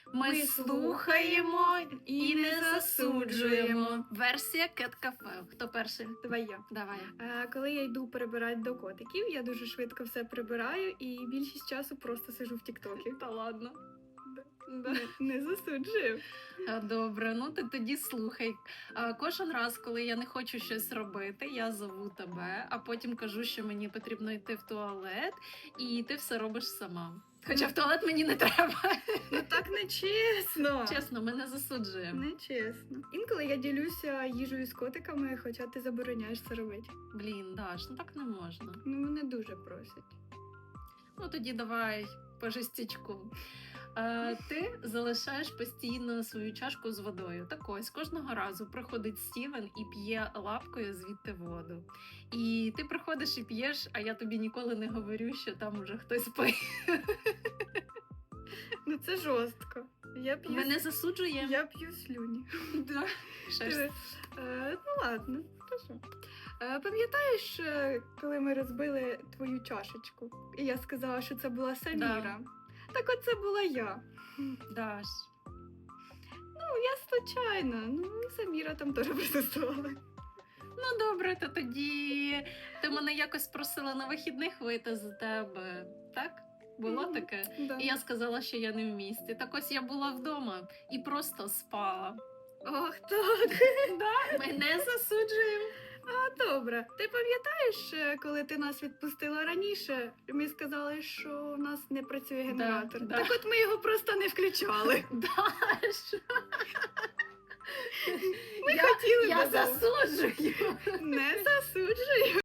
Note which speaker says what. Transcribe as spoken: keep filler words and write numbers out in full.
Speaker 1: Ми слухаємо і не засуджуємо. Версія Кет Кафе. Хто перший?
Speaker 2: Давай я.
Speaker 1: Давай.
Speaker 2: Е, Коли я йду перебирати до котиків, я дуже швидко все прибираю і більшість часу просто сижу в тіктокі.
Speaker 1: Та ладно.
Speaker 2: Не, не засуджую.
Speaker 1: А, Добре, ну ти тоді слухай. А, Кожен раз, коли я не хочу щось робити, я зову тебе, а потім кажу, що мені потрібно йти в туалет, і ти все робиш сама. Хоча в туалет мені не треба.
Speaker 2: Ну так не чесно.
Speaker 1: Чесно, ми не засуджуємо.
Speaker 2: Не чесно. Інколи я ділюся їжею з котиками, хоча ти забороняєш це робити.
Speaker 1: Блін, Даш, ну так не можна.
Speaker 2: Ну мене дуже просять.
Speaker 1: Ну тоді давай по жестячку. Е, ти залишаєш постійно свою чашку з водою. Так ось, кожного разу приходить Стівен і п'є лапкою звідти воду. І ти приходиш і п'єш, а я тобі ніколи не говорю, що там уже хтось пив.
Speaker 2: Ну це жорстко. Я п'ю,
Speaker 1: Ми не засуджуємо.
Speaker 2: я п'ю слюні.
Speaker 1: Да. Що ж?
Speaker 2: Е, ну ладно, хорошо. Е, пам'ятаєш, е, коли ми розбили твою чашечку? І я сказала, що це була Саміра. Так от це була я.
Speaker 1: Даш.
Speaker 2: Ну, я случайно. Ну, і Саміра там теж присутствувала.
Speaker 1: Ну добре, то тоді ти мене якось просила на вихідних вийти за тебе, так? Було
Speaker 2: Мгм.
Speaker 1: таке?
Speaker 2: Да.
Speaker 1: І я сказала, що я не в місті. Так ось я була вдома і просто спала.
Speaker 2: Ох, так.
Speaker 1: Да, ми не засуджуємо.
Speaker 2: А, добре. Ти пам'ятаєш, е, коли ти нас відпустила раніше, ми сказали, що у нас не працює генератор.
Speaker 1: да.
Speaker 2: Так от ми його просто не включали.
Speaker 1: Даш,
Speaker 2: Ми
Speaker 1: я,
Speaker 2: хотіли
Speaker 1: я
Speaker 2: додому.
Speaker 1: засуджую.
Speaker 2: Не засуджую.